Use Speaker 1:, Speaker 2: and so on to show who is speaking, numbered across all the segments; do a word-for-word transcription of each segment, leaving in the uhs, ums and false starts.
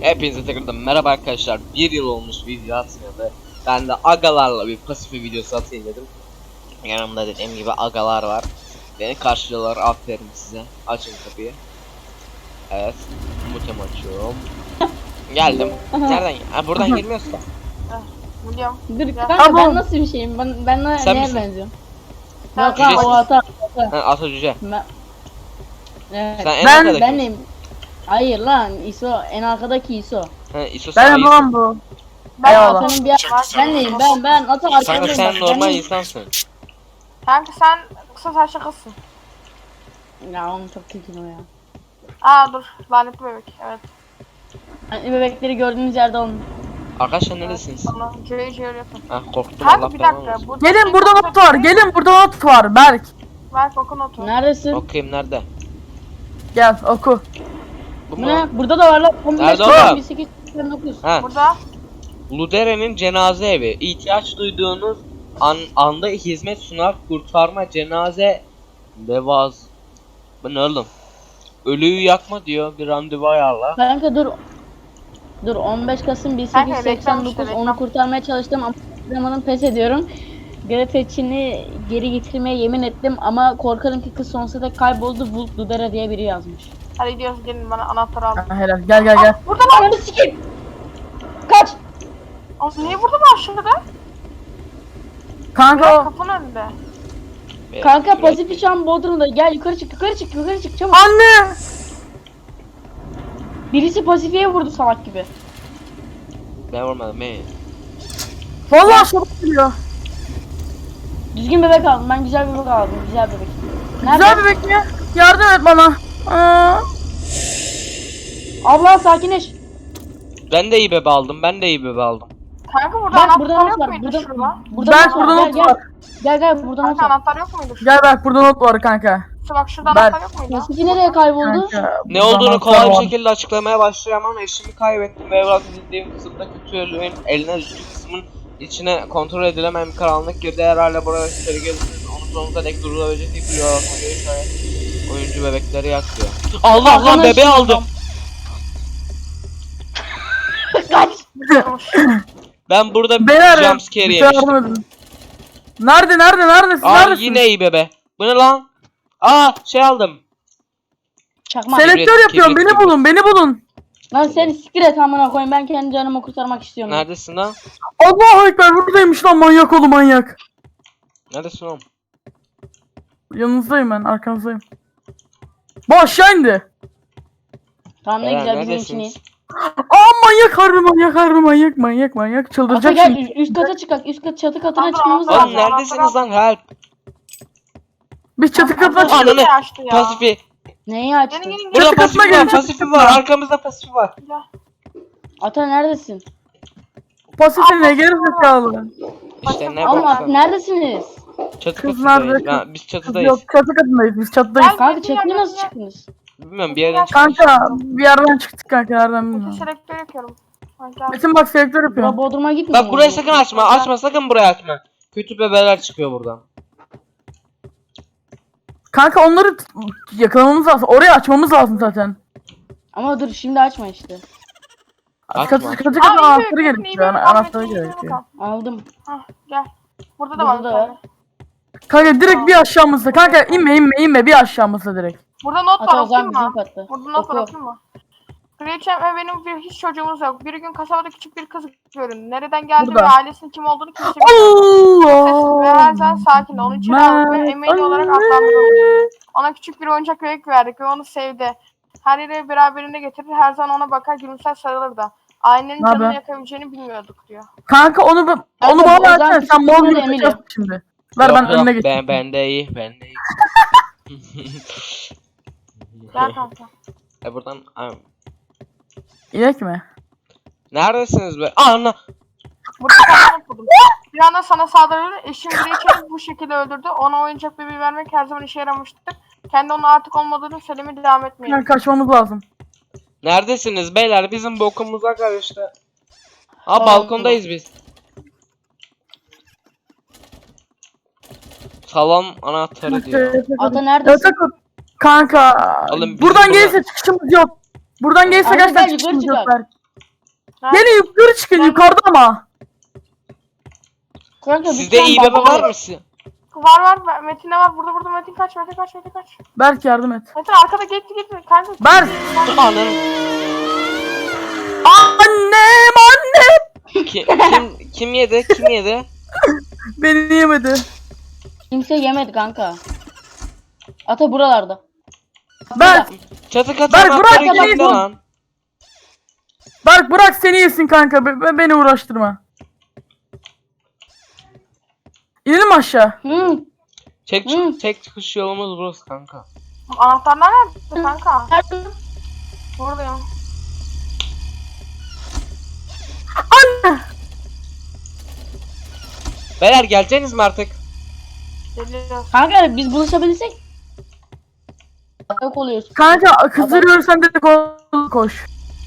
Speaker 1: Hepinize tekrardan merhaba arkadaşlar. Bir yıl olmuş video atmayalı. Ben de agalarla bir pasifi videosu atayım dedim. Yanımda dediğim gibi agalar var. Beni karşılıyorlar, aferin size. Açın kapıyı. Evet, mutem açıyorum. Geldim. Nereden? Ha, buradan girmiyorsun.
Speaker 2: Biliyorum.
Speaker 3: Dur kanka ben nasıl bir şeyim? Ben, ben ne-
Speaker 1: Sen
Speaker 3: neye
Speaker 1: misin?
Speaker 3: benziyorum?
Speaker 2: Sen
Speaker 3: Yok ha
Speaker 1: cücesin.
Speaker 3: o ata. ata.
Speaker 1: Ha, ata cüce.
Speaker 3: Ben, evet.
Speaker 1: Sen en
Speaker 4: Ben-
Speaker 1: arkadaki.
Speaker 3: Benim. Hayır lan İso en arkadaki İso.
Speaker 1: Ha, İso sen
Speaker 4: Ben
Speaker 1: iyisin.
Speaker 4: babam bu.
Speaker 3: Ben
Speaker 4: Eyvallah.
Speaker 3: atanın bir ben neyim ben ben ata
Speaker 1: Kanka
Speaker 3: arkadayım.
Speaker 1: sen
Speaker 3: bak,
Speaker 1: normal
Speaker 3: ben neyim?
Speaker 1: insansın.
Speaker 2: Kanka sen kısa saçlı kızsın.
Speaker 3: Ya oğlum çok kötü o ya.
Speaker 2: Aa dur lanetli bebek evet.
Speaker 3: Hani bebekleri gördüğünüz yerde olun.
Speaker 1: Arkadaşlar neredesiniz?
Speaker 2: Sonra cüce cüce yapın.
Speaker 1: Ha, korktum Allah
Speaker 2: Kanka bir
Speaker 1: belanı
Speaker 2: dakika.
Speaker 1: versin.
Speaker 2: Burada
Speaker 4: Gelin
Speaker 2: şey
Speaker 4: burada
Speaker 2: kontrol
Speaker 4: not var.
Speaker 2: edin.
Speaker 4: Gelin burada not var. Berk.
Speaker 2: Ver kokun otu.
Speaker 3: Neredesin?
Speaker 1: Bakayım nerede?
Speaker 4: Gel oku.
Speaker 1: Bu
Speaker 3: Bu
Speaker 1: mu?
Speaker 3: ne? Burada da var lan. on beş,
Speaker 1: Nerede
Speaker 3: on
Speaker 1: oğlum?
Speaker 3: bir sekiz, seksen dokuz.
Speaker 1: Ha.
Speaker 2: Burada.
Speaker 1: Ludere'nin cenaze evi. İhtiyaç duyduğunuz an, anda hizmet sunar, kurtarma, cenaze levaz. Bu ne oğlum? Ölüyü yakma diyor, bir randevu ayarla.
Speaker 3: Kanka dur. Dur on beş Kasım bin sekiz yüz seksen dokuz
Speaker 2: reklam işte,
Speaker 3: onu
Speaker 2: reklam.
Speaker 3: kurtarmaya çalıştım ama zamanın pes ediyorum. Grafetçini geri getirmeye yemin ettim ama korkarım ki kız sonsuza dek kayboldu. Vult Ludera diye biri yazmış.
Speaker 2: Hadi gidiyoruz gelin bana anahtarı al.
Speaker 4: Ha, helal. Gel gel gel.
Speaker 2: Burada lan.
Speaker 3: Ananı sikeyim. Kaç.
Speaker 2: Oğlum niye burada var şurada?
Speaker 4: Kanka o.
Speaker 2: Kapının önünde.
Speaker 1: Evet,
Speaker 3: Kanka
Speaker 1: şuraya-
Speaker 3: Pasifik şu an Bodrum'da. Gel yukarı çık yukarı çık yukarı çık çabuk.
Speaker 4: Anne.
Speaker 3: Birisi Pasifik'e vurdu salak gibi.
Speaker 1: Ben vurmadım ben.
Speaker 4: Vallahi aşağıda geliyor.
Speaker 3: Düzgün bebek aldım. Ben güzel bebek aldım. Güzel bebek. Nerede?
Speaker 4: Güzel bebek mi? Yardım et bana. Aa.
Speaker 3: Abla sakinleş.
Speaker 1: Ben de iyi bebe aldım, ben de iyi bebe aldım.
Speaker 2: Kanka burada
Speaker 3: Bak burada
Speaker 2: anahtar
Speaker 3: not
Speaker 2: yok
Speaker 3: var.
Speaker 2: muydu
Speaker 3: Burada,
Speaker 2: şurada?
Speaker 3: burada
Speaker 4: Berk
Speaker 3: not var.
Speaker 4: burada
Speaker 3: Gel
Speaker 4: not
Speaker 3: gel.
Speaker 4: var.
Speaker 3: Gel gel burada not
Speaker 2: Kanka
Speaker 3: var.
Speaker 2: anahtar yok muydu şurada?
Speaker 4: Gel Berk burada not var kanka.
Speaker 2: Şu bak şurada
Speaker 4: Berk.
Speaker 2: anahtar yok muydu?
Speaker 3: Pasifik nereye kayboldu?
Speaker 4: Kanka,
Speaker 1: Ne
Speaker 4: burada
Speaker 1: olduğunu
Speaker 4: anahtar
Speaker 1: kolay bir
Speaker 4: var.
Speaker 1: şekilde açıklamaya başlayamam. Eşimi kaybettim ve evrak edildiğim kısımda kötü ölüğün eline düştüğü kısmın içine kontrol edilemem bir karanlık girdi. Herhalde buraya içeri gelirsiniz. Onu sonunda dek durulabilecek bir biliyor. Oyuncu bebekleri yaktı. Allah lan
Speaker 3: Arkadaşım
Speaker 1: bebeği aldım.
Speaker 3: Kaç.
Speaker 1: Ben burada
Speaker 4: Beyler.
Speaker 1: jumpscare
Speaker 4: bir şey
Speaker 1: yemiştim.
Speaker 4: yardım edin. Nerede nerede neredesin?
Speaker 1: Aa
Speaker 4: Neredesin?
Speaker 1: yine iyi bebe. Bu ne lan? Aa şey aldım.
Speaker 3: Çakma.
Speaker 1: Sele-
Speaker 4: Selektör
Speaker 1: Kibrit,
Speaker 4: yapıyorum.
Speaker 1: kibrit,
Speaker 4: Beni
Speaker 1: kibrit.
Speaker 4: bulun. Beni bulun.
Speaker 3: Lan seni siktir et amına koyayım. Ben kendi canımı kurtarmak istiyorum.
Speaker 1: Neredesin lan?
Speaker 4: Allahu ekber buradaymış lan manyak oğlu manyak.
Speaker 1: Neredesin oğlum?
Speaker 4: Yanınızdayım ben arkanızdayım. Bu aşağı indi.
Speaker 3: Tamam ne
Speaker 1: Beyler,
Speaker 3: güzel bizim için iyi.
Speaker 1: neredesiniz?
Speaker 4: Aa manyak harbi manyak harbi manyak manyak manyak
Speaker 3: Ata
Speaker 4: çıldıracak
Speaker 3: gel
Speaker 4: şimdi.
Speaker 3: üst, üst kata çıkak. Üst kat çatı katına
Speaker 2: Tamam,
Speaker 3: çıkmamız
Speaker 2: tamam.
Speaker 1: Oğlum
Speaker 3: lazım.
Speaker 1: neredesiniz lan? Help.
Speaker 4: Biz çatı katına
Speaker 1: Ananı-
Speaker 4: çıktık.
Speaker 2: Ananı açtı ya.
Speaker 1: Pasifi.
Speaker 3: Neyi açtın?
Speaker 2: Gelin gelin
Speaker 1: Burada
Speaker 4: Çatı katına
Speaker 1: pasifi
Speaker 4: gelin,
Speaker 1: var.
Speaker 4: çatı
Speaker 1: Pasifi
Speaker 4: katına.
Speaker 1: var. Arkamızda pasifi var.
Speaker 2: Gel.
Speaker 3: Ata neredesin?
Speaker 4: Pasifin ne geri zekalı.
Speaker 1: İşte ne
Speaker 3: Ama
Speaker 1: baksana.
Speaker 3: neredesiniz?
Speaker 1: Çatı
Speaker 4: Kız
Speaker 1: katındayız.
Speaker 4: nerede?
Speaker 1: Ben, biz
Speaker 4: Kız
Speaker 1: çatıdayız.
Speaker 4: yok çatı katındayız biz çatıdayız.
Speaker 2: Gel.
Speaker 3: Kanka çatıya nasıl çıktınız?
Speaker 1: Bilmiyorum bir yerden çıktı.
Speaker 4: Kanka bir yerden çıktık kanka nereden
Speaker 2: Peki
Speaker 4: bilmiyorum.
Speaker 2: selektör yakıyorum. Kanka.
Speaker 4: Metin bak selektör
Speaker 3: Bura
Speaker 4: yapıyorum.
Speaker 3: Bodrum'a gitmiyor.
Speaker 1: Bak burayı sakın açma. Açma sakın burayı açma. Kötü bebeler çıkıyor buradan.
Speaker 4: Kanka onları t- yakalamamız lazım. Orayı açmamız lazım zaten.
Speaker 3: Ama dur şimdi açma işte.
Speaker 1: Açma.
Speaker 4: Katı katı katı
Speaker 2: Aa, iyi
Speaker 4: anahtarı
Speaker 2: bir- iyi bir-
Speaker 4: gerekiyor. Ana-
Speaker 2: iyi bir-
Speaker 4: Anahtarı
Speaker 2: iyi bir-
Speaker 4: gerekiyor.
Speaker 3: Aldım.
Speaker 2: Hah gel. Burada da
Speaker 3: Burada
Speaker 2: var.
Speaker 3: da
Speaker 2: bir
Speaker 3: var.
Speaker 2: tane.
Speaker 4: Kanka direkt bir aşağımızda. Kanka inme inme inme bir aşağımızda direkt.
Speaker 2: Burada not var
Speaker 3: Ata o
Speaker 2: okuyayım
Speaker 3: zaman bizim
Speaker 2: mı?
Speaker 3: katta.
Speaker 2: Burada not var
Speaker 3: Oku.
Speaker 2: okuyayım mı? Kraliçem ve benim bir hiç çocuğumuz yok. Bir gün kasabada küçük bir kız göründü. Nereden geldi
Speaker 4: Burada.
Speaker 2: ve ailesinin kim olduğunu kimse bilmiyor. Sessiz ve her zaman
Speaker 4: Allah.
Speaker 2: sakin. Onu içeri aldık ve emeği olarak adlandırdık. Ona küçük bir oyuncak bebek verdik ve onu sevdi. Her yere beraberinde getirir, her zaman ona bakar, gülümser, sarılır da. Ailenin
Speaker 4: Ne
Speaker 2: canını
Speaker 4: haber?
Speaker 2: yakabileceğini bilmiyorduk diyor.
Speaker 4: Kanka onu ba- onu
Speaker 3: Kanka,
Speaker 4: bana
Speaker 3: Ozan
Speaker 4: versene sen
Speaker 3: küçük
Speaker 4: mor
Speaker 3: kızına
Speaker 4: gibi
Speaker 3: da Emily.
Speaker 4: taşıyorsun şimdi. Ver
Speaker 1: Yok,
Speaker 4: ben
Speaker 1: yok,
Speaker 4: önüne geçeyim.
Speaker 1: Ben bende iyi. Bende iyi.
Speaker 2: Gel kanka.
Speaker 1: E buradan Ay,
Speaker 4: İnek mi?
Speaker 1: neredesiniz be? Aa, ana.
Speaker 2: Burada sana not buldum. Bir anda sana saldırdı. Eşim Gretchen'i bu şekilde öldürdü. Ona oyuncak bebeği vermek her zaman işe yaramıştır. Kendi onun artık olmadığını söylemeye devam etmeyin.
Speaker 4: Yani kaçmamız lazım.
Speaker 1: Neredesiniz beyler? Bizim bokumuza karıştı. Aa
Speaker 3: Tamam,
Speaker 1: balkondayız biz. Salon anahtarı diyor.
Speaker 3: Ata neredesin?
Speaker 4: Yatak o- Kanka.
Speaker 1: Oğlum bizim
Speaker 4: Buradan
Speaker 1: bura-
Speaker 4: gelirse çıkışımız yok. Buradan gelirse
Speaker 3: Kanka,
Speaker 4: gerçekten
Speaker 3: gel, yukarı
Speaker 4: çıkışımız yok.
Speaker 3: çıkar.
Speaker 4: Berk.
Speaker 2: Nerede?
Speaker 4: Gelin yukarı çıkın yukarıda ama.
Speaker 3: Kanka bir
Speaker 1: Sizde
Speaker 3: tane
Speaker 1: iyi bebe
Speaker 3: daha-
Speaker 1: var mı? Si-
Speaker 2: Var var. Metin'de var. Burada burada Metin kaç. Metin kaç. Metin kaç.
Speaker 4: Berk yardım et.
Speaker 2: Metin arkada gitti gitti. Kanka.
Speaker 4: Berk.
Speaker 1: Ananı.
Speaker 4: Annem annem.
Speaker 1: Ki- kim kim yedi? Kim yedi?
Speaker 4: Beni yemedi.
Speaker 3: Kimse yemedi kanka. Ata buralarda.
Speaker 4: Berk.
Speaker 1: Çatı katı
Speaker 4: Berk,
Speaker 1: anahtarı
Speaker 4: bırak
Speaker 1: kimde
Speaker 4: beni.
Speaker 1: lan?
Speaker 4: Berk bırak seni yesin kanka. Be- be- beni uğraştırma. İnelim aşağı.
Speaker 3: Hı.
Speaker 1: Tek,
Speaker 3: Hı.
Speaker 1: tek çıkış yolumuz burası kanka.
Speaker 2: Anahtarlar nerede kanka?
Speaker 3: Nerede?
Speaker 2: Buradayım.
Speaker 4: Anne.
Speaker 1: Beyler geleceksiniz mi artık?
Speaker 2: Geliyoruz.
Speaker 3: Kanka biz buluşabilsek. Yok oluyoruz.
Speaker 4: Kanka kızdırıyorsan direkt ko- koş.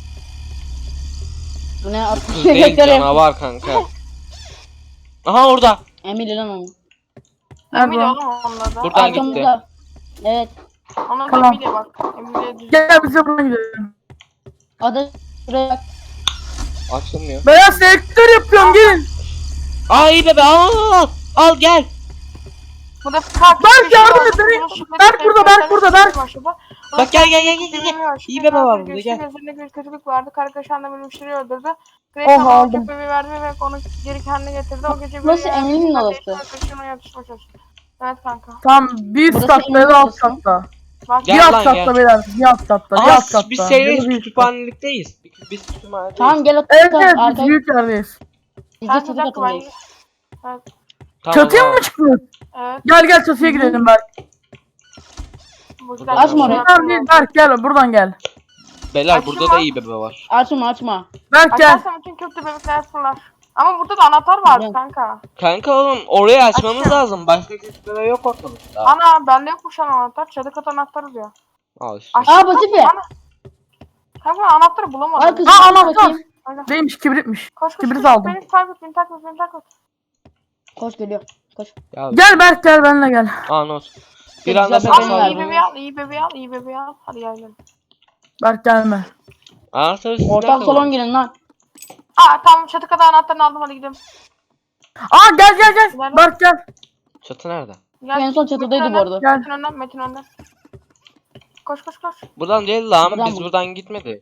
Speaker 3: Bu ne at?
Speaker 1: Kız değil canavar kanka. Aha orada.
Speaker 3: Emir lan onu.
Speaker 2: Emily
Speaker 4: Nerede?
Speaker 2: oğlum onda da.
Speaker 1: Buradan gitti.
Speaker 3: Arkamızda. Evet.
Speaker 2: Onun da
Speaker 4: Tamam.
Speaker 2: Emily bak. Emily'ye düz.
Speaker 4: Gel bize buradan gidelim.
Speaker 3: Ada buraya.
Speaker 1: Açılmıyor.
Speaker 4: Beyaz selektör yapıyorum gelin.
Speaker 1: Aa iyi bebe al al al. Al gel.
Speaker 2: Bu da kalk.
Speaker 4: Berk yardım et beni. Berk burada, Berk burada, Berk.
Speaker 1: Bak gel gel gel gel gel. İyi bebe var burada, gel.
Speaker 2: Gözünde bir kötülük vardı. Kargaşan'da bir müşteri öldürdü. Grey
Speaker 4: Oha,
Speaker 2: sana
Speaker 4: aldım.
Speaker 2: alacak bebeği verdi ve onu geri kendine getirdi. O gece
Speaker 3: Burası
Speaker 2: bebeği
Speaker 3: Emily'nin
Speaker 2: verdi.
Speaker 3: odası.
Speaker 2: Arkadaşına yatışma çalıştı. Evet kanka.
Speaker 4: Tam bir üst
Speaker 3: Burası
Speaker 4: katta
Speaker 3: Emin'in
Speaker 4: ya da alt
Speaker 3: odası.
Speaker 4: katta.
Speaker 2: Bak
Speaker 1: Gel
Speaker 4: Bir alt
Speaker 1: lan,
Speaker 4: katta
Speaker 1: gel.
Speaker 4: beyler. Bir alt katta. Bir
Speaker 1: Aa
Speaker 4: alt katta.
Speaker 1: biz seriyiz,
Speaker 4: Ya da bir üst katta.
Speaker 1: kütüphanelikteyiz. Biz- Biz kütüphanedeyiz.
Speaker 3: Tamam gel at.
Speaker 4: Evet evet biz
Speaker 3: Arkaya.
Speaker 4: büyük yerdeyiz.
Speaker 3: Biz de
Speaker 2: sen
Speaker 3: çatı
Speaker 2: bir dakika ben.
Speaker 3: katındayız.
Speaker 2: Evet.
Speaker 1: Tamam,
Speaker 4: Çatıya
Speaker 1: tamam.
Speaker 4: mı çıkıyoruz?
Speaker 2: Evet.
Speaker 4: Gel gel çatıya gidelim Berk.
Speaker 2: Bu
Speaker 1: Açma
Speaker 2: güzel bir
Speaker 3: orayı.
Speaker 2: şey
Speaker 4: Buradan değil
Speaker 2: yaptım.
Speaker 4: Berk gel buradan gel.
Speaker 1: Beyler
Speaker 2: Açma.
Speaker 1: burada da iyi bebe var.
Speaker 3: Açma açma.
Speaker 4: Berk gel.
Speaker 2: Açarsan bütün kötü bebekler fırlar. Ama burada da anahtar var
Speaker 3: Gel.
Speaker 2: kanka.
Speaker 1: Kanka oğlum orayı açmamız
Speaker 2: Açıyorum.
Speaker 1: lazım. Başka kötü bebe yok ortalıkta.
Speaker 2: Ana bende yokmuş lan anahtar. Çadı kat anahtarı diyor.
Speaker 1: Al işte.
Speaker 2: Aşağı
Speaker 3: Aa
Speaker 2: bak,
Speaker 3: Pasifi.
Speaker 2: ana- Kanka ben anahtarı
Speaker 3: Al
Speaker 2: bulamadım.
Speaker 3: kızım.
Speaker 4: Aa,
Speaker 3: Aa,
Speaker 4: anahtar.
Speaker 3: bakayım.
Speaker 2: Aynen.
Speaker 4: Değilmiş kibritmiş.
Speaker 2: Koş koş
Speaker 4: Kibrit
Speaker 2: koş.
Speaker 4: aldım.
Speaker 2: Beni takip et beni takip et beni takip et.
Speaker 3: Koş geliyor. Koş.
Speaker 1: Ya,
Speaker 4: Gel Berk gel benimle gel.
Speaker 1: aa not. Bir
Speaker 3: Güzel
Speaker 1: anda
Speaker 3: bebeğim
Speaker 1: sana
Speaker 3: var.
Speaker 2: Al iyi
Speaker 1: saldım.
Speaker 2: bebeği al iyi bebeği al iyi bebeği al. Hadi gelelim.
Speaker 4: Berk gelme.
Speaker 1: Anahtarı sizde
Speaker 3: Ortak
Speaker 1: kalın.
Speaker 3: salon girin lan.
Speaker 2: Aa tamam çatı kat anahtarını aldım hadi gidelim.
Speaker 4: Aa gel gel gel.
Speaker 2: Nerede?
Speaker 4: Berk gel.
Speaker 1: Çatı nerede?
Speaker 2: Gel.
Speaker 3: En son çatıdaydı
Speaker 2: Metin
Speaker 3: bu arada.
Speaker 2: önden,
Speaker 4: Gel.
Speaker 2: Metin önden Metin önden. Koş koş koş.
Speaker 1: Buradan değil lan.
Speaker 3: Buradan
Speaker 1: Biz
Speaker 3: mı?
Speaker 1: buradan gitmedik.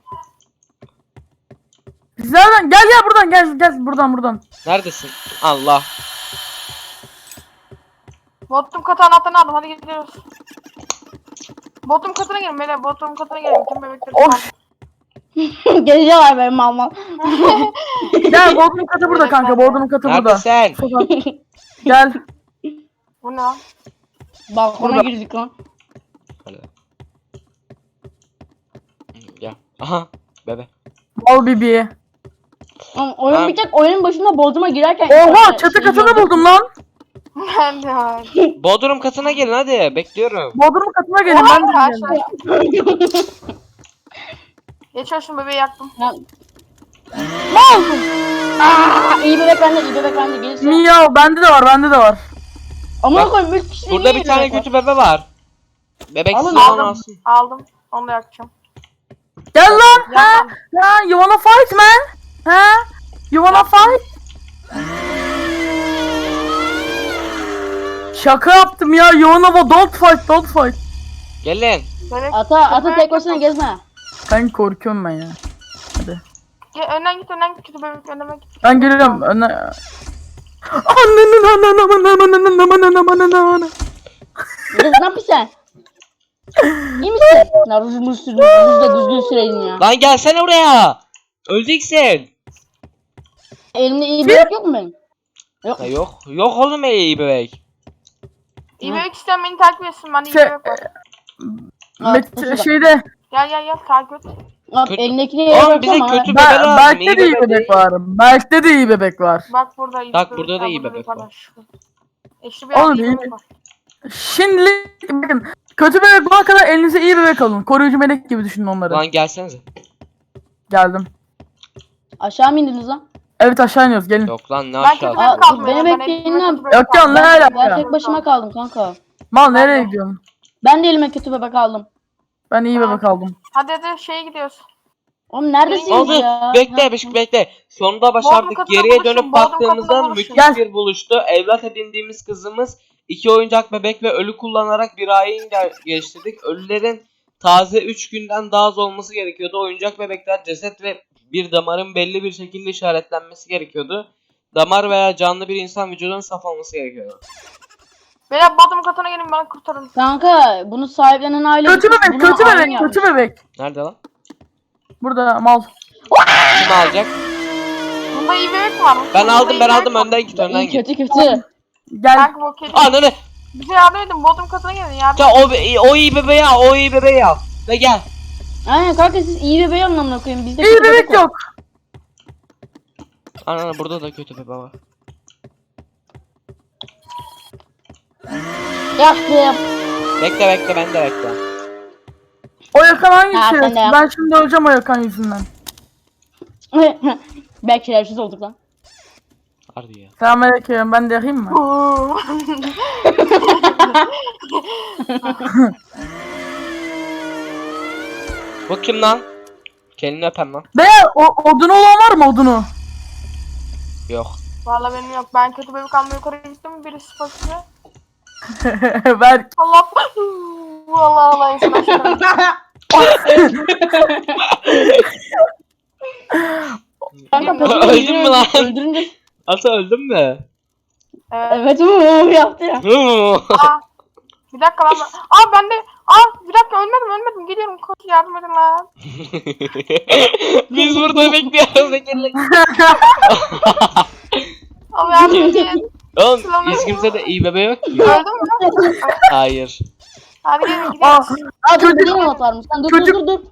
Speaker 4: Biz nereden? Gel gel buradan gel gel buradan buradan.
Speaker 1: Neredesin? Allah.
Speaker 2: Bodrum katı anahtarını aldım hadi gidiyoruz. Bodrum katına gelin beyler Bodrum katına gelin. Tüm bebekleri
Speaker 4: Of.
Speaker 3: Geleceğim benim mal mal.
Speaker 4: Gel Bodrum katı burada kanka. Bodrum katı burada.
Speaker 1: Neredesin?
Speaker 4: Sokak. Gel.
Speaker 2: Bu ne lan?
Speaker 3: Balkona
Speaker 4: Burada.
Speaker 3: girdik lan.
Speaker 1: Hadi. Gel. Aha. Bebe.
Speaker 4: Al bibi.
Speaker 3: Ama oyun
Speaker 1: Ha.
Speaker 3: bitecek. Oyunun başında Bodrum'a girerken.
Speaker 4: Oha çatı
Speaker 3: Şey
Speaker 4: katını
Speaker 3: gördüm.
Speaker 4: buldum lan.
Speaker 2: Ben de var.
Speaker 1: Bodrum katına gelin hadi. Bekliyorum.
Speaker 4: Bodrum katına gelin
Speaker 2: Oha,
Speaker 4: ben de
Speaker 2: aşağı.
Speaker 4: geldim.
Speaker 2: Geçiyor bebe yaktım.
Speaker 3: Ya- Ne oldu? Aa, iyi bebek bende, iyi bebek bende. Gelirse.
Speaker 4: Miyav bende de var bende de var.
Speaker 3: Amına
Speaker 1: Bak,
Speaker 3: koyayım üç kişi
Speaker 1: Burada bir tane kötü bebe var. Bebek
Speaker 3: Alın,
Speaker 1: sizi
Speaker 2: aldım.
Speaker 1: alsın.
Speaker 2: Aldım. Onu da yakacağım.
Speaker 4: Gel lan. Ha?
Speaker 2: Yakmadım.
Speaker 4: Ha? You wanna fight man? Ha? You wanna fight? Şaka yaptım ya. You wanna don't fight don't fight.
Speaker 1: Gelin.
Speaker 2: Bebek.
Speaker 3: Ata, ata
Speaker 2: Bebek
Speaker 3: tek başına
Speaker 2: yakacağım.
Speaker 3: gezme.
Speaker 4: Ben korkuyorum ben ya. Hadi.
Speaker 2: Gel, önden git önden git kötü bebek önden git.
Speaker 4: Ben geliyorum. Öne... Ananın ananın ananın ananın ananın ananın.
Speaker 3: Kız ne yapıyorsun sen? İyi misin? Ya rujumu sürdüm. Ruju da düzgün süreydin ya.
Speaker 1: Lan gelsene buraya. Öleceksin.
Speaker 3: Elimde iyi bebek yok mu benim? Yok.
Speaker 1: Ha, yok. Yok oğlum iyi bebek.
Speaker 2: İyi bebek isteyen beni takip etsin. Ben iyi
Speaker 4: Şey,
Speaker 2: bebek var.
Speaker 4: Met şeyde
Speaker 2: Gel gel gel takip et.
Speaker 3: Bak
Speaker 1: kötü-
Speaker 3: elindekini yere
Speaker 1: Oğlum
Speaker 3: bırak
Speaker 1: bize
Speaker 3: ama.
Speaker 1: kötü bebe
Speaker 4: ben,
Speaker 1: lazım.
Speaker 4: Berk'te de iyi
Speaker 1: bebe
Speaker 4: bebek
Speaker 1: değil.
Speaker 4: var. Berk'te de iyi bebek var.
Speaker 2: Bak burada iyi
Speaker 1: Bak,
Speaker 2: bebek
Speaker 1: burada da
Speaker 2: var,
Speaker 1: iyi
Speaker 2: burada
Speaker 1: bebek
Speaker 2: yukarıda.
Speaker 1: var.
Speaker 2: Eşli bir
Speaker 4: Oğlum,
Speaker 2: yerde iyi
Speaker 4: iyi-
Speaker 2: bebek var.
Speaker 4: Şimdi bakın kötü bebek bulana kadar elinize iyi bebek alın. Koruyucu melek gibi düşünün onları.
Speaker 1: Lan gelsenize.
Speaker 4: Geldim.
Speaker 3: Aşağı mı indiniz lan?
Speaker 4: Evet aşağı iniyoruz gelin.
Speaker 1: Yok lan ne
Speaker 2: Ben kötü
Speaker 1: aşağı.
Speaker 3: Aa,
Speaker 2: bebek kaldım.
Speaker 3: beni
Speaker 2: ya, ben
Speaker 3: bekleyin
Speaker 2: elimde
Speaker 3: lan.
Speaker 2: kötü bebek
Speaker 4: Yok ya,
Speaker 2: aldım.
Speaker 4: ne
Speaker 2: Ben-
Speaker 4: alaka?
Speaker 3: Ben tek başıma kaldım kanka.
Speaker 4: Mal nereye
Speaker 2: Ben de.
Speaker 4: gidiyorsun?
Speaker 3: Ben de elime kötü bebek aldım.
Speaker 4: Ben iyi
Speaker 2: Ben-
Speaker 4: bebek aldım.
Speaker 2: Hadi hadi şeye gidiyoruz.
Speaker 3: Oğlum neredesiniz
Speaker 1: Oldu.
Speaker 3: ya?
Speaker 1: Bekle
Speaker 3: Ha,
Speaker 1: Beşik bekle. Sonunda
Speaker 2: Bodrum
Speaker 1: başardık.
Speaker 2: katına
Speaker 1: Geriye
Speaker 2: buluşun,
Speaker 1: dönüp
Speaker 2: Bodrum
Speaker 1: baktığımızda
Speaker 2: katına
Speaker 1: müthiş
Speaker 4: buluşun.
Speaker 1: bir buluştu. Evlat edindiğimiz kızımız iki oyuncak bebek ve ölü kullanarak bir ayin gel- geliştirdik. Ölülerin taze üç günden daha az olması gerekiyordu. Oyuncak bebekler ceset ve bir damarın belli bir şekilde işaretlenmesi gerekiyordu. Damar veya canlı bir insan vücudunun saf olması gerekiyordu.
Speaker 2: Beyler Bodrum katına gelin bana kurtarın.
Speaker 3: Kanka bunu sahiplenen aile
Speaker 4: Kötü
Speaker 3: gitmiş,
Speaker 4: bebek,
Speaker 3: buna
Speaker 4: kötü
Speaker 3: ayin
Speaker 4: bebek,
Speaker 3: yapmış.
Speaker 4: kötü bebek.
Speaker 1: Nerede lan?
Speaker 4: Burada mal.
Speaker 1: Kim alacak?
Speaker 2: Bunda iyi bebek mi var?
Speaker 1: Ben
Speaker 2: Bunda
Speaker 1: aldım
Speaker 2: iyi
Speaker 1: ben
Speaker 2: bebek
Speaker 1: aldım
Speaker 2: var.
Speaker 1: önden git önden
Speaker 3: İyi
Speaker 1: git.
Speaker 3: kötü kötü.
Speaker 4: Gel.
Speaker 2: Kanka bu kedi.
Speaker 1: Ananı.
Speaker 2: Bize yardım edin. Bodrum katına gelin yardım.
Speaker 1: Ya o, o iyi bebeği al o iyi bebeği al. Ve gel.
Speaker 3: Aynen kanka siz iyi bebeği anlamına koyun. Bizde
Speaker 4: İyi
Speaker 3: kötü
Speaker 4: bebek
Speaker 3: var.
Speaker 4: yok.
Speaker 1: Ananı burada da kötü bebe var.
Speaker 3: Yaktım.
Speaker 1: Bekle bekle ben de bekle.
Speaker 4: O yakan hangisi?
Speaker 3: Ha, sen de yap.
Speaker 4: Ben şimdi öleceğim o yakan yüzünden.
Speaker 3: Belki şerefsiz olduk lan.
Speaker 1: Harbi ya.
Speaker 4: Selamünaleyküm. Ben de yakayım mı?
Speaker 2: Oo.
Speaker 1: Bu kim lan? Kendini öpem lan.
Speaker 4: Beyler o, odunu olan var mı odunu?
Speaker 1: Yok.
Speaker 2: Vallahi benim yok. Ben kötü bebek almaya yukarı gittim. Birisi fakir.
Speaker 4: Ver.
Speaker 2: Allah. Vallahi Allah insan aşkına.
Speaker 3: Kanka peki
Speaker 1: Öldün mü lan?
Speaker 3: Öldürünce.
Speaker 1: Ata öldün mü?
Speaker 2: Evet.
Speaker 3: Evet uuu yaptı ya.
Speaker 2: Aa, bir dakika lan. ben- Aa ben de. Aa bir dakika ölmedim ölmedim. Gidiyorum koş yardım edin lan.
Speaker 1: Biz burada bekliyoruz Bekir'le.
Speaker 2: Abi yardım edin.
Speaker 1: Oğlum hiç kimse de iyi bebe yok ki.
Speaker 2: Öldün mü?
Speaker 1: Hayır.
Speaker 2: Hadi gelin
Speaker 4: Ah,
Speaker 2: gidiyoruz.
Speaker 3: Aa dur
Speaker 4: Çocuk-
Speaker 3: bir not varmış. Sen dur dur
Speaker 4: çocuk-
Speaker 3: dur dur.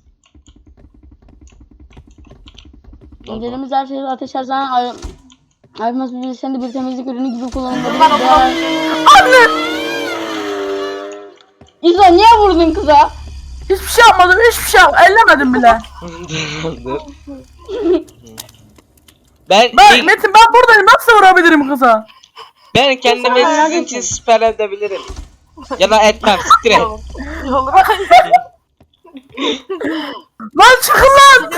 Speaker 3: İncelediğimiz her şeyi ateş her zaman ay ayrılmaz bir sen de bir temizlik ürünü gibi kullanılabilir.
Speaker 2: Ben onu
Speaker 3: Değer- İzo niye vurdun kıza?
Speaker 4: hiçbir şey yapmadım. Hiçbir şey yapmadım. Ellemedim bile.
Speaker 1: Dur. ben
Speaker 4: Ben
Speaker 1: ilk-
Speaker 4: Metin ben buradayım. Nasıl vurabilirim kıza?
Speaker 1: ben kendimi
Speaker 2: Sen
Speaker 1: sizin için siper edebilirim. Ya da etmem siktir et.
Speaker 2: Olur.
Speaker 4: Lan çıkın lan.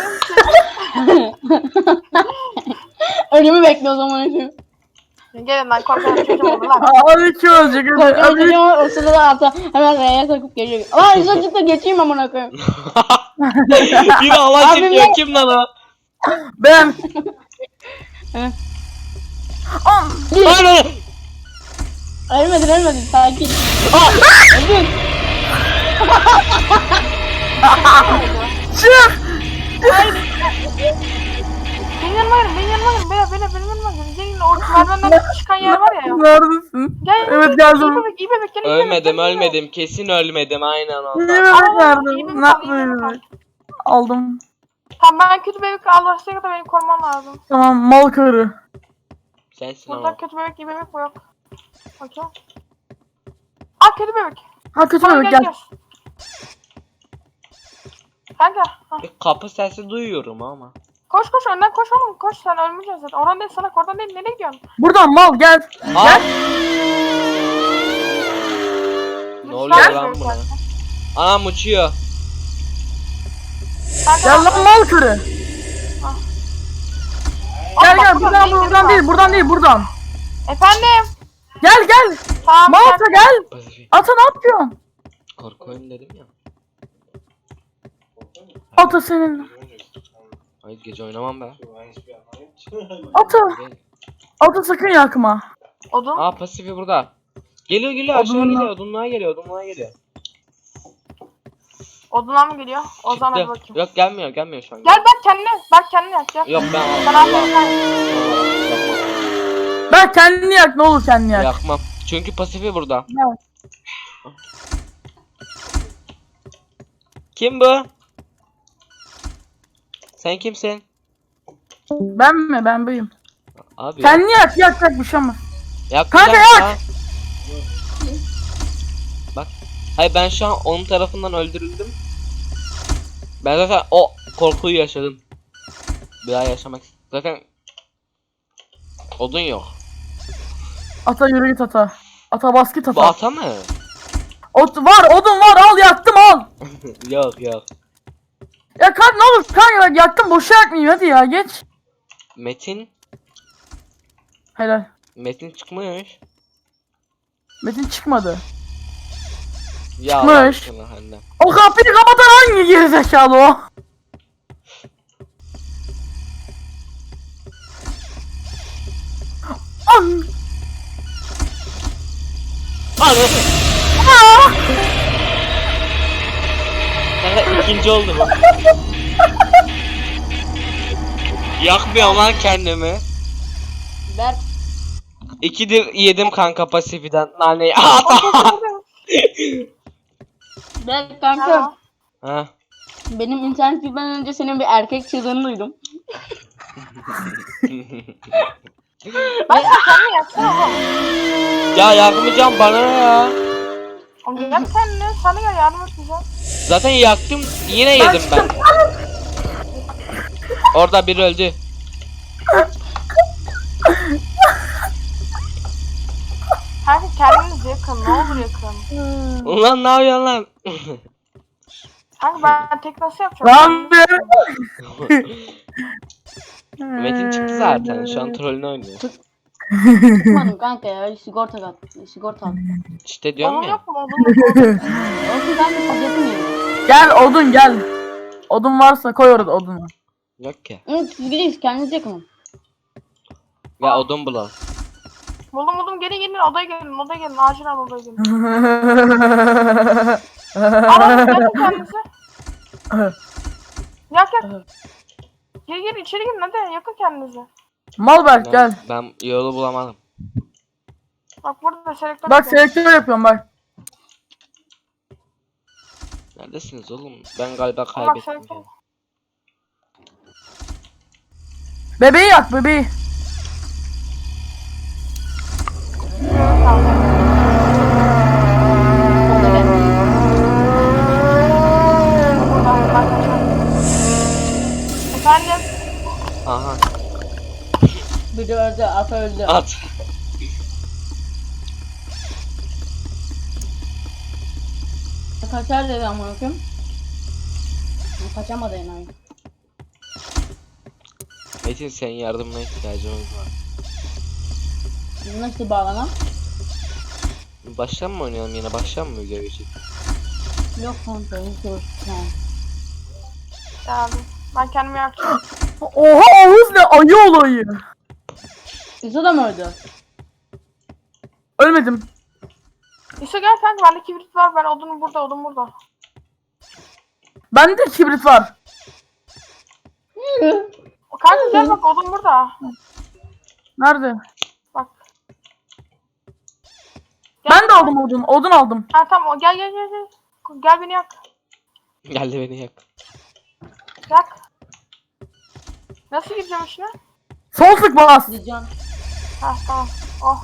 Speaker 3: Ölümü bekle o zaman.
Speaker 2: Gelin lan korkan çocuğum olur lan.
Speaker 4: Hadi kim ölecek? Hadi.
Speaker 3: Korkuyorum
Speaker 4: Hadi.
Speaker 3: ama o sırada ata hemen R'ye takıp geliyor. Aa İzo çıktı geçeyim amına koyayım.
Speaker 1: Bir Allah
Speaker 3: Abim
Speaker 1: çekiyor
Speaker 3: ne?
Speaker 1: kim lan o?
Speaker 4: Ben.
Speaker 3: Hı.
Speaker 4: Am.
Speaker 1: Hayır.
Speaker 3: Ölmedin ölmedin sakin. Öldün.
Speaker 4: Çık.
Speaker 2: Benim yanıma gelin benim yanıma gelin. Beyler beyler benim yanıma gelin. Gelin o merdivenden çıkan yer var ya.
Speaker 4: Neredesin?
Speaker 2: Gel.
Speaker 4: Evet
Speaker 2: İyi
Speaker 4: geldim.
Speaker 2: bebek iyi bebek gelin. iyi bebek,
Speaker 1: Ölmedim
Speaker 2: gelin, gelin.
Speaker 1: ölmedim kesin ölmedim aynen
Speaker 4: İyi
Speaker 1: ondan.
Speaker 4: bebek
Speaker 2: Aa, iyi
Speaker 4: verdim.
Speaker 2: bebek
Speaker 4: Ne
Speaker 2: al, iyi bebek al.
Speaker 4: yapayım? Aldım.
Speaker 2: Tamam ben kötü bebek alırsa kadar beni korumam lazım.
Speaker 4: Tamam mal karı.
Speaker 1: Sensin
Speaker 2: Burada
Speaker 1: ama.
Speaker 2: kötü bebek iyi bebek mi yok? Okey. Aa kötü bebek.
Speaker 4: Ha kötü
Speaker 2: Tamam
Speaker 4: bebek
Speaker 2: gel
Speaker 4: gel.
Speaker 2: gel. Kanka. Ha.
Speaker 1: Bir kapı sesi duyuyorum ama.
Speaker 2: Koş koş önden koş oğlum koş sen ölmeyeceksin zaten. Oradan değil salak oradan değil nereye gidiyorsun?
Speaker 4: Buradan mal gel.
Speaker 1: Aa!
Speaker 4: Gel.
Speaker 1: Ne oluyor
Speaker 2: Gel.
Speaker 1: lan buna? Anam uçuyor.
Speaker 2: Kanka,
Speaker 4: Gel lan mal karı.
Speaker 2: Aa,
Speaker 4: Gel
Speaker 2: bak,
Speaker 4: gel
Speaker 2: burada
Speaker 4: buradan
Speaker 2: bir
Speaker 4: buradan
Speaker 2: bebek
Speaker 4: değil
Speaker 2: var.
Speaker 4: buradan değil buradan.
Speaker 2: Efendim.
Speaker 4: Gel gel.
Speaker 2: Tamam.
Speaker 4: Mal
Speaker 2: gel.
Speaker 4: ata gel.
Speaker 1: Pasifi.
Speaker 4: Ata ne yapıyorsun?
Speaker 1: Korku oyunu dedim ya.
Speaker 4: Ata senin.
Speaker 1: Hayır gece oynamam be.
Speaker 4: Ata. Ata sakın yakma.
Speaker 2: Odun.
Speaker 1: Aa pasifi burada. Geliyor geliyor aşağı
Speaker 4: Odunla.
Speaker 1: geliyor odunluğa geliyor odunluğa geliyor.
Speaker 2: Odunlar mı geliyor? O zaman hadi
Speaker 1: Çıktı.
Speaker 2: bakayım.
Speaker 1: Yok gelmiyor gelmiyor şu an.
Speaker 2: Gel bak kendine. Bak kendine yak gel.
Speaker 1: Yok ben
Speaker 2: Sen
Speaker 1: Allah.
Speaker 2: aferin sen.
Speaker 1: Yapmam.
Speaker 4: Ben kendini yak ne olur kendini yak.
Speaker 1: Yakmam. Çünkü pasifi burada.
Speaker 4: Evet.
Speaker 1: Kim bu? Sen kimsin?
Speaker 4: Ben mi? Ben buyum.
Speaker 1: Abi.
Speaker 4: Kendini yak yak yak bir şey olmaz.
Speaker 1: Yakmayacak
Speaker 4: Kanka,
Speaker 1: ya. Bak. Hayır ben şu an onun tarafından öldürüldüm. Ben zaten o korkuyu yaşadım. Bir daha yaşamak zaten odun yok.
Speaker 4: Ata yürü git ata. Ata bas git
Speaker 1: Bu
Speaker 4: ata.
Speaker 1: ata mı?
Speaker 4: Ot var odun var al yaktım al.
Speaker 1: Yok yok.
Speaker 4: Ya kanka ne olur kanka bak yaktım boşa yakmayayım hadi ya geç.
Speaker 1: Metin.
Speaker 4: Helal.
Speaker 1: Metin çıkmış.
Speaker 4: Metin çıkmadı.
Speaker 1: Ya
Speaker 4: Çıkmış.
Speaker 1: Allah aşkına annem.
Speaker 4: O kapıyı kapatan hangi gerizekalı o? An.
Speaker 1: Anı. Kanka ikinci oldu bu. Yakmıyorum lan kendimi.
Speaker 3: Ver.
Speaker 1: İkidir yedim kanka pasifiden naneyi. Ata.
Speaker 3: Ver kanka.
Speaker 2: Merhaba.
Speaker 1: Ha.
Speaker 3: Benim internet gitmeden önce senin bir erkek çığlığını duydum.
Speaker 2: Ben kendimi yaksana oğlum.
Speaker 1: Ya yakmayacağım bana ne ya.
Speaker 2: Oğlum yak kendini. Sana gel yardım etmeyeceğim.
Speaker 1: Zaten yaktım yine yedim ben. Orada biri öldü.
Speaker 2: Kanka kendinizi yakın. Ne olur yakın.
Speaker 1: Ulan ne yapıyorsun lan?
Speaker 2: Kanka ben tek nasıl yapacağım?
Speaker 4: Lan be.
Speaker 1: Metin çıktı zaten şu an trollünü oynuyor.
Speaker 3: Çıkmadım kanka ya. Sigorta kat. Sigorta al.
Speaker 1: İşte diyorum
Speaker 2: Oğlum
Speaker 1: ya.
Speaker 2: yok mu? Oğlum yok mu?
Speaker 3: Olsun kanka siz yapın yani.
Speaker 4: Gel odun gel. Odun varsa koy orada odunu.
Speaker 1: Yok ki.
Speaker 3: Hı, siz gideyiz kendiniz yakın.
Speaker 1: Ya odun bulalım.
Speaker 2: Buldum buldum gelin gelin odaya gelin odaya gelin acilen odaya gelin. Alalım yakın kendinizi. Yak yak. Gir gir içeri girin hadi yakın kendinizi.
Speaker 4: Malberk
Speaker 1: Ben,
Speaker 4: gel.
Speaker 1: ben yolu bulamadım.
Speaker 2: Bak burada selektör
Speaker 4: Bak
Speaker 2: yapıyorum.
Speaker 4: selektör yapıyorum bak.
Speaker 1: Neredesiniz oğlum? Ben galiba
Speaker 2: Bak
Speaker 1: kaybettim.
Speaker 2: selektör.
Speaker 1: ya.
Speaker 4: Bebeği yak bebeği.
Speaker 2: Tamam.
Speaker 3: Orada gel.
Speaker 2: Buradan ben kaçıyorum. Efendim?
Speaker 1: Aha
Speaker 3: Biri öldü. Ata öldü.
Speaker 1: at.
Speaker 3: Kaçar dedi amına koyayım. Kaçamadı enayi.
Speaker 1: Metin senin yardımına ihtiyacımız var.
Speaker 3: Biz nasıl bağlanan?
Speaker 1: Baştan mı oynayalım yine? Baştan mı video geçelim?
Speaker 3: Yok kanka. Hiç hoş. Tamam.
Speaker 2: Geldim. Ben kendimi yakacağım.
Speaker 4: Oha Oğuz ne ayı olayı.
Speaker 3: İso da mı öldü?
Speaker 4: Ölmedim.
Speaker 2: İso gel kanka bende kibrit var ben odun burada odun burada.
Speaker 4: Bende kibrit var.
Speaker 2: O kanka gel bak odun burada.
Speaker 4: Nerede?
Speaker 2: Bak. Gel,
Speaker 4: Ben de
Speaker 2: gel.
Speaker 4: aldım odun. Odun aldım.
Speaker 2: Ha tamam o gel gel gel gel. Gel beni yak.
Speaker 1: Geldi beni yak.
Speaker 2: Yak. Nasıl gireceğim içine?
Speaker 4: Sol tık bas.
Speaker 3: Diyeceğim.
Speaker 2: Ha tamam. Oh.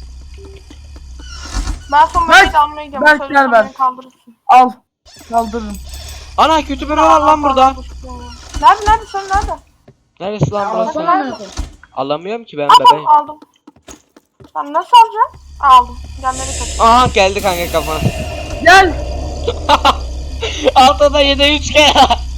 Speaker 2: Ben son
Speaker 4: Berk,
Speaker 2: beni de almaya gidiyorum.
Speaker 4: Berk,
Speaker 2: Söylesem
Speaker 4: gel Berk.
Speaker 2: beni kaldırırsın.
Speaker 4: Al. Kaldırırım.
Speaker 1: Ana kötü biri var lan burada.
Speaker 2: Nerede nerede sen nerede?
Speaker 1: Neresi lan
Speaker 3: Alsana
Speaker 1: burası?
Speaker 2: nerede?
Speaker 3: amına koyayım.
Speaker 1: Alamıyorum ki ben
Speaker 2: Aldım
Speaker 1: bebeğim.
Speaker 2: aldım. Sen nasıl alacaksın? Aldım. Gel nereye kaçın?
Speaker 1: Aha geldi kanka kafana.
Speaker 4: Gel.
Speaker 1: Altıda yedi üç kere.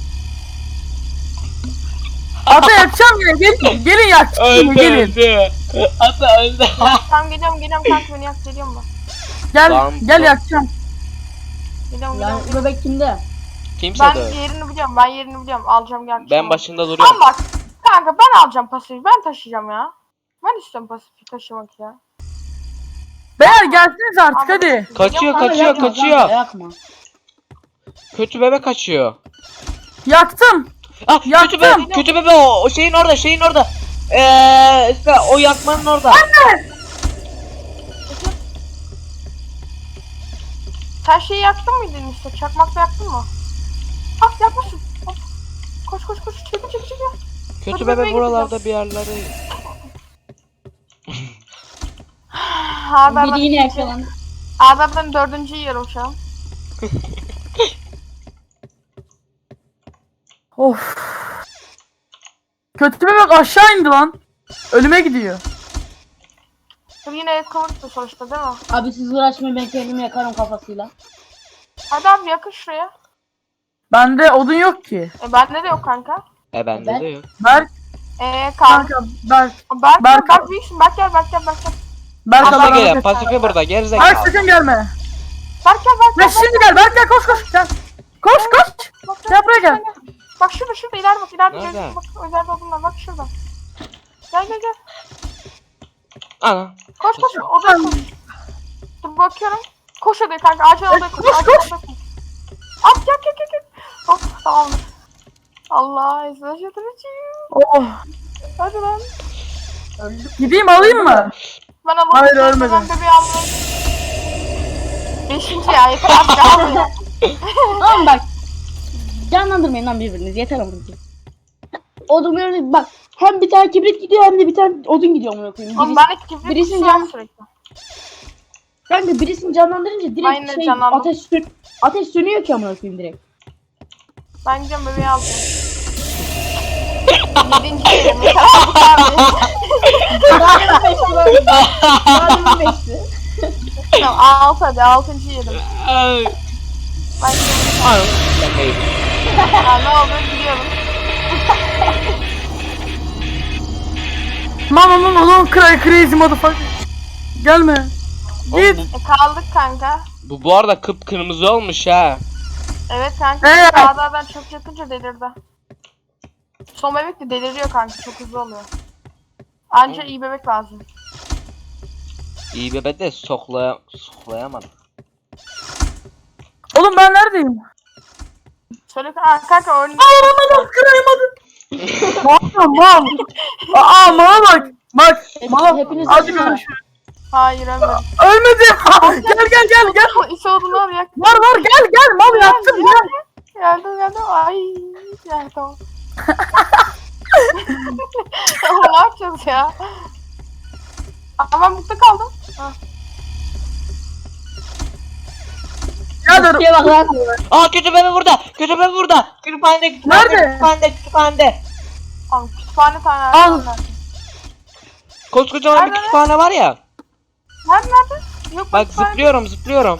Speaker 4: Ata yakacağım yine. Gelin. Gelin yak.
Speaker 1: Öldü
Speaker 4: Gelin.
Speaker 1: öldü. Ata öldü.
Speaker 2: Tamam geliyorum geliyorum kanka beni yak geliyorum ben.
Speaker 4: Gel.
Speaker 1: Lan
Speaker 4: Gel
Speaker 1: bu-
Speaker 4: yakacağım.
Speaker 2: Geliyorum
Speaker 3: Yani
Speaker 2: geliyorum.
Speaker 3: bu bebek kimde?
Speaker 1: Kimse
Speaker 2: Ben
Speaker 1: de.
Speaker 2: yerini biliyorum ben yerini biliyorum alacağım gel.
Speaker 1: Ben başında duruyorum.
Speaker 2: Ama bak kanka ben alacağım pasifi ben taşıyacağım ya. Ben istiyorum pasifi taşımak ya.
Speaker 4: Beyler gelsiniz artık
Speaker 2: Ama-
Speaker 4: hadi.
Speaker 1: Kaçıyor
Speaker 2: Ama
Speaker 1: kaçıyor
Speaker 3: Yakma
Speaker 1: kaçıyor.
Speaker 3: kanka, yakma.
Speaker 1: Kötü bebe kaçıyor.
Speaker 4: Yaktım.
Speaker 1: Ah kötü
Speaker 4: Yaktım.
Speaker 1: bebe kötü bebe o, o şeyin orada şeyin orada. Eee işte o yakmanın orada.
Speaker 2: Sen şeyi yaktın mıydın işte? Çakmakla yaktın mı? Ah yakmışsın. Hop. Koş koş koş çekil çekil çekil.
Speaker 1: Kötü
Speaker 2: Kötü
Speaker 1: bebe
Speaker 2: bebeği
Speaker 1: buralarda bir yerlerde.
Speaker 2: Ha ben
Speaker 3: Biri yine yakalandı.
Speaker 2: Abi ben dördüncü yiyorum şu an.
Speaker 4: Of. Kötü bebek aşağı indi lan. Ölüme gidiyor.
Speaker 2: Dur yine kıvırttı sonuçta değil mi?
Speaker 3: Abi siz uğraşmayın ben kendimi yakarım kafasıyla.
Speaker 2: Hadi abi yakın şuraya.
Speaker 4: Bende odun yok ki.
Speaker 2: E bende de yok kanka.
Speaker 1: E bende
Speaker 3: Ben-
Speaker 1: de yok.
Speaker 4: Berk
Speaker 2: Eee kanka.
Speaker 4: kanka Berk.
Speaker 2: Berk,
Speaker 4: Berk-
Speaker 2: Berk büyüksün. Berk gel, Berk gel, Berk gel.
Speaker 4: Berk
Speaker 1: Pasife
Speaker 4: Allah'ını
Speaker 1: geliyor.
Speaker 4: seversen.
Speaker 1: Pasife burada.
Speaker 4: Berk
Speaker 1: Gerizekalı.
Speaker 4: sakın gelme.
Speaker 2: Berk gel, Berk
Speaker 4: Ya
Speaker 2: gel.
Speaker 4: şimdi gel Berk gel koş koş gel. Koş koş.
Speaker 2: Bak,
Speaker 4: Gel buraya gel.
Speaker 2: Bak şurada, şurada ileride bak, ileride
Speaker 1: Nerede?
Speaker 2: görüyorsun. Bak özel odunlar, bak şurada. Gel gel gel.
Speaker 1: Ana.
Speaker 2: Koş koş, odaya koş. Dur bakıyorum. Koş odaya kanka, acil odaya koş.
Speaker 4: Koş,
Speaker 2: Acil
Speaker 4: koş.
Speaker 2: odaya koş. At gel gel gel gel. Hop tamamdır. Allah izin şaşırtıcıyım.
Speaker 4: Oh.
Speaker 2: Hadi lan.
Speaker 4: Gideyim alayım mı?
Speaker 2: Ben alalım.
Speaker 4: Hayır,
Speaker 2: Ben
Speaker 4: ölmedim.
Speaker 2: bebeği aldım. Beşinci ya yeter artık almayın.
Speaker 3: Tamam bak. Canlandırmayın lan birbirinizi. Yeter ama. Odun böyle bak. Hem bir tane kibrit gidiyor hem de bir tane odun gidiyor amına koyayım.
Speaker 2: Oğlum
Speaker 3: Birisi,
Speaker 2: ben de kibrit
Speaker 3: birisini
Speaker 2: tutuyorum
Speaker 3: can-
Speaker 2: sürekli.
Speaker 3: kanka birisini canlandırınca
Speaker 2: Ben
Speaker 3: direkt
Speaker 2: yine
Speaker 3: şey
Speaker 2: canlandım.
Speaker 3: ateş sön ateş sönüyor ki amına koyayım direkt.
Speaker 2: Ben gideceğim bebeği alacağım. Yedinci yerim yeter artık abi.
Speaker 3: Daha demin beşti ben. Daha demin beşti.
Speaker 2: Tamam altı hadi altıncı yedim.
Speaker 1: Ay.
Speaker 2: Ben gidiyorum.
Speaker 1: Ana. Ben de yedim.
Speaker 2: Ha, ne oldu gidiyorum.
Speaker 4: Mama mama lan cry crazy motherfucker. Gelme.
Speaker 1: Oğlum
Speaker 4: Git.
Speaker 1: bu,
Speaker 2: E kaldık kanka.
Speaker 1: bu bu arada kıpkırmızı olmuş ha.
Speaker 2: Evet kanka.
Speaker 4: Evet.
Speaker 2: Dağlardan çok yakınca delirdi. Son bebek de deliriyor kanka, çok hızlı oluyor. Anca iyi bebek lazım.
Speaker 1: İyi bebe de soklaya soklayamadım.
Speaker 4: Oğlum ben neredeyim?
Speaker 2: Söyle ha, kanka önüne.
Speaker 4: Anam kırayamadım. Mal mal. Aa mala bak. Bak mala.
Speaker 3: Hepiniz
Speaker 4: Hadi
Speaker 3: öldünüz mü?
Speaker 4: görüşürüz.
Speaker 2: Hayır ölmedim.
Speaker 4: Ölmedim. gel gel gel gel.
Speaker 2: İş olduğunu al yak.
Speaker 4: Var var gel gel mal yaktım gel.
Speaker 2: Geldim geldim. Ay. Ya tamam. Ama ne yapacağız ya? Ama ben mutlu kaldım. Ha.
Speaker 4: Gel dur.
Speaker 3: Şuraya bak lan.
Speaker 1: Aa kötü bebe burada. Kötü bebe burada. Kütüphanede kütüphanede.
Speaker 4: Nerede?
Speaker 1: Kütüphanede kütüphanede.
Speaker 2: Tamam kütüphane tane
Speaker 4: Al.
Speaker 2: nerede?
Speaker 1: Koskocaman bir
Speaker 2: Nerede?
Speaker 1: kütüphane var ya.
Speaker 2: Nerede nerede? Yok
Speaker 1: Bak
Speaker 2: kütüphane.
Speaker 1: zıplıyorum zıplıyorum.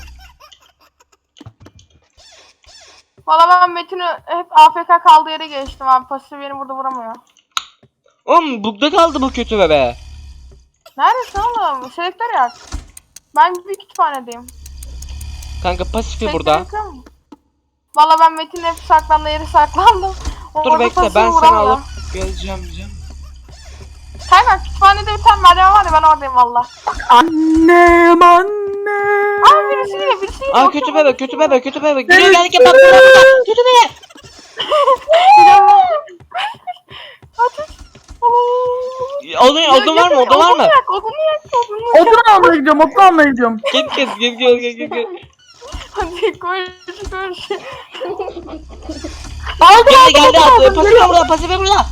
Speaker 2: Valla ben Metin'i hep A F K kaldığı yere geçtim abi. Pasif beni burada vuramıyor.
Speaker 1: Oğlum bugda kaldı bu kötü bebe.
Speaker 2: Neredesin oğlum? Selektör yak. Ben bir kütüphanedeyim.
Speaker 1: Kanka pasifi
Speaker 2: Selektör
Speaker 1: burada.
Speaker 2: yakıyor mu? Valla ben Metin'in hep saklandığı yere saklandım. O
Speaker 1: Dur
Speaker 2: orada
Speaker 1: bekle
Speaker 2: pasifi
Speaker 1: ben seni
Speaker 2: vuramıyor.
Speaker 1: alıp geleceğim diyeceğim.
Speaker 2: Kanka kütüphanede bir tane merdiven var ya, ben oradayım valla.
Speaker 4: Annem anne.
Speaker 2: Aa birisi geliyor birisi geliyor.
Speaker 1: Aa
Speaker 2: Bakıyorum,
Speaker 1: kötü bebe
Speaker 2: birisi
Speaker 1: kötü
Speaker 2: geliyor.
Speaker 1: bebe kötü bebe. Geliyor geldik bak burada burada. Kötü bebe.
Speaker 2: Ateş.
Speaker 1: Odun, odun var mı odun var mı?
Speaker 2: Yak, odunu yak, odunu yak.
Speaker 4: Odun almaya gidiyorum odun almaya gidiyorum.
Speaker 1: Git git git git git git git.
Speaker 2: Hadi koş koş.
Speaker 4: Aldım
Speaker 1: Geldi geldi
Speaker 4: aldım,
Speaker 1: attı. Pasife burada pasife burada.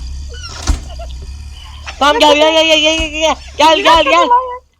Speaker 1: Tamam gel gel gel gel gel gel gel gel gel gel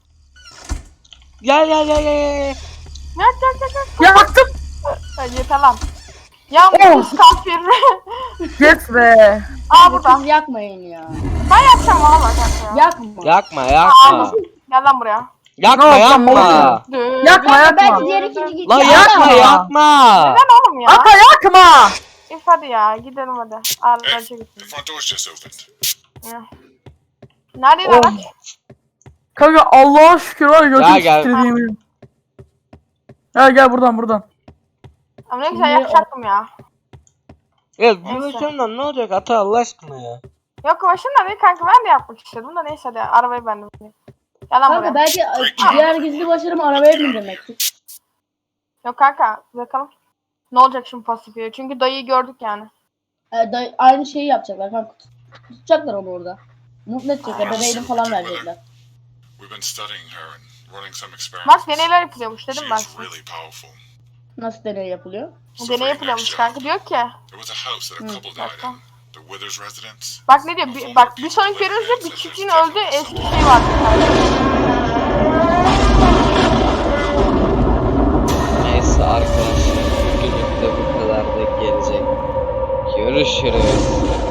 Speaker 1: gel gel gel gel.
Speaker 2: Yak yak yak yak.
Speaker 4: Yaktım.
Speaker 2: Ha, yeter lan. Ya
Speaker 4: Oh.
Speaker 2: bu kafir.
Speaker 4: Yes be.
Speaker 2: Aa burada.
Speaker 3: Siz yakmayın ya.
Speaker 2: Ben yakacağım valla kanka ya.
Speaker 3: Yakma.
Speaker 1: Yakma
Speaker 2: Aa,
Speaker 1: yakma.
Speaker 2: Gel lan buraya.
Speaker 1: Yakma
Speaker 4: Ne oldu,
Speaker 1: yakma.
Speaker 4: ne oldu?
Speaker 2: Dı-
Speaker 4: Yakma
Speaker 2: dı-
Speaker 4: yakma.
Speaker 3: Belki diğer ikinci gitti.
Speaker 1: Lan
Speaker 3: Ya.
Speaker 1: yakma
Speaker 4: Yakma.
Speaker 1: yakma.
Speaker 2: Neden oğlum ya?
Speaker 4: Aka yakma.
Speaker 2: İf hadi ya gidelim hadi. Aracı
Speaker 5: The
Speaker 2: gitsin.
Speaker 5: front door's just opened.
Speaker 2: Ya. Neredeydi
Speaker 4: Oh.
Speaker 2: araç?
Speaker 4: Kanka Allah'a şükür var ya
Speaker 1: Ya
Speaker 4: götüm
Speaker 1: gel.
Speaker 4: titrediğimi. Ya gel buradan buradan.
Speaker 2: Ama ne güzel
Speaker 3: Niye
Speaker 2: yakacaktım ya.
Speaker 1: Ya
Speaker 2: Neyse.
Speaker 1: gülüşümden ne olacak ata Allah aşkına ya.
Speaker 2: Yok başında değil kanka, ben de yapmak istedim da neyse hadi arabayı ben de bineyim. Gel lan
Speaker 3: Kanka
Speaker 2: buraya.
Speaker 3: belki diğer gizli başarım arabaya bindirmektir.
Speaker 2: Yok kanka bakalım. Ne olacak şimdi pasifiye? Çünkü dayıyı gördük yani.
Speaker 3: Ee, da, aynı şeyi yapacaklar kanka. Tut- Tutacaklar onu orada. Mutlu edecekler. Bebeğini falan verecekler.
Speaker 5: We've been studying her and running some
Speaker 2: Bak
Speaker 5: experiments.
Speaker 2: deneyler yapılıyormuş
Speaker 5: She
Speaker 2: dedim ben
Speaker 5: is
Speaker 2: size.
Speaker 5: really powerful.
Speaker 3: Nasıl deney yapılıyor?
Speaker 5: So for
Speaker 2: Deney
Speaker 5: your
Speaker 2: yapılıyormuş
Speaker 5: next
Speaker 2: kanka,
Speaker 5: job,
Speaker 2: diyor ki.
Speaker 5: there was a house that a couple died in. The Withers residence.
Speaker 2: Bak ne diyor? Bir, bak bir sonraki bölümde bir çiftliğin öldüğü eski şey var.
Speaker 1: Neyse arkadaşlar bugünlük de bu kadar da gelecek. Görüşürüz.